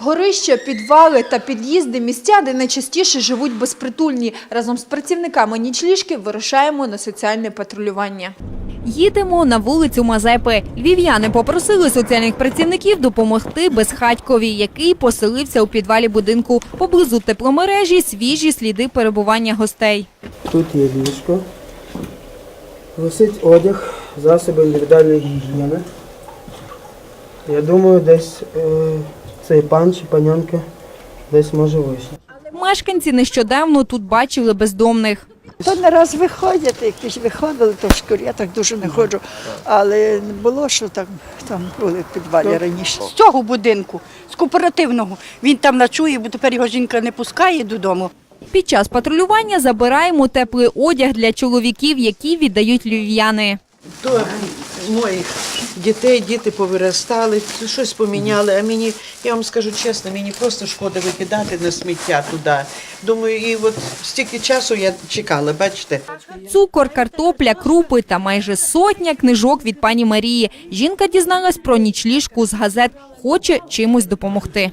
Горища, підвали та під'їзди – місця, де найчастіше живуть безпритульні. Разом з працівниками нічліжки вирушаємо на соціальне патрулювання. Їдемо на вулицю Мазепи. Львів'яни попросили соціальних працівників допомогти безхатькові, який поселився у підвалі будинку. Поблизу тепломережі свіжі сліди перебування гостей. Тут є ліжко, висить одяг, засоби індивідуальної гігієни. Я думаю, десь цей пан чи панянка десь може вийшов. Мешканці нещодавно тут бачили бездомних. То не раз виходять, якісь виходили, то в школі, я так дуже не ходжу, але не було, що там були в підвалі раніше. З цього будинку, з кооперативного, він там ночує, бо тепер його жінка не пускає додому. Під час патрулювання забираємо теплий одяг для чоловіків, які віддають львів'яни. До моїх дітей, діти повиростали, щось поміняли, а мені, я вам скажу чесно, мені просто шкода викидати на сміття туди. Думаю, і от стільки часу я чекала, бачите. Цукор, картопля, крупи та майже сотня книжок від пані Марії. Жінка дізналась про нічліжку з газет, хоче чимось допомогти.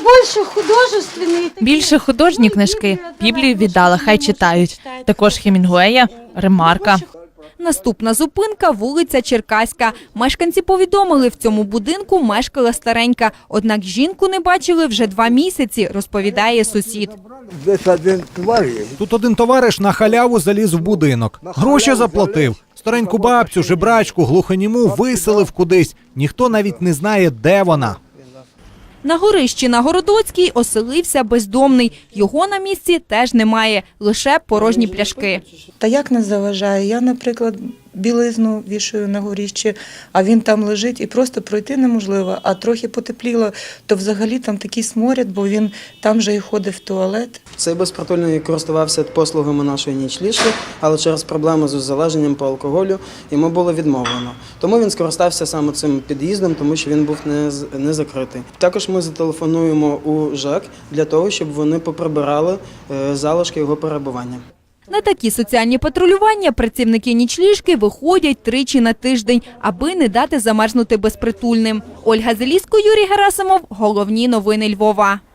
Більше художні книжки. Біблію віддала, хай читають. Також Хемінгуея, Ремарка. Наступна зупинка – вулиця Черкаська. Мешканці повідомили, в цьому будинку мешкала старенька. Однак жінку не бачили вже 2 місяці, розповідає сусід. Тут один товариш на халяву заліз в будинок. Гроші заплатив. Стареньку бабцю, жебрачку, глухоніму виселив кудись. Ніхто навіть не знає, де вона. На горищі на Городоцькій оселився бездомний. Його на місці теж немає, лише порожні пляшки. Та як не заважає? Я, наприклад, білизну вішаю на горищі, а він там лежить і просто пройти неможливо. А трохи потепліло, то взагалі там такий сморід, бо він там же і ходить в туалет. Цей безпритульний користувався послугами нашої нічліжки, але через проблеми з залеженням по алкоголю йому було відмовлено. Тому він скористався саме цим під'їздом, тому що він був не закритий. Також ми зателефонуємо у ЖЕК для того, щоб вони поприбирали залишки його перебування. На такі соціальні патрулювання працівники нічліжки виходять 3 на тиждень, аби не дати замерзнути безпритульним. Ольга Зеліско, Юрій Герасимов. Головні новини Львова.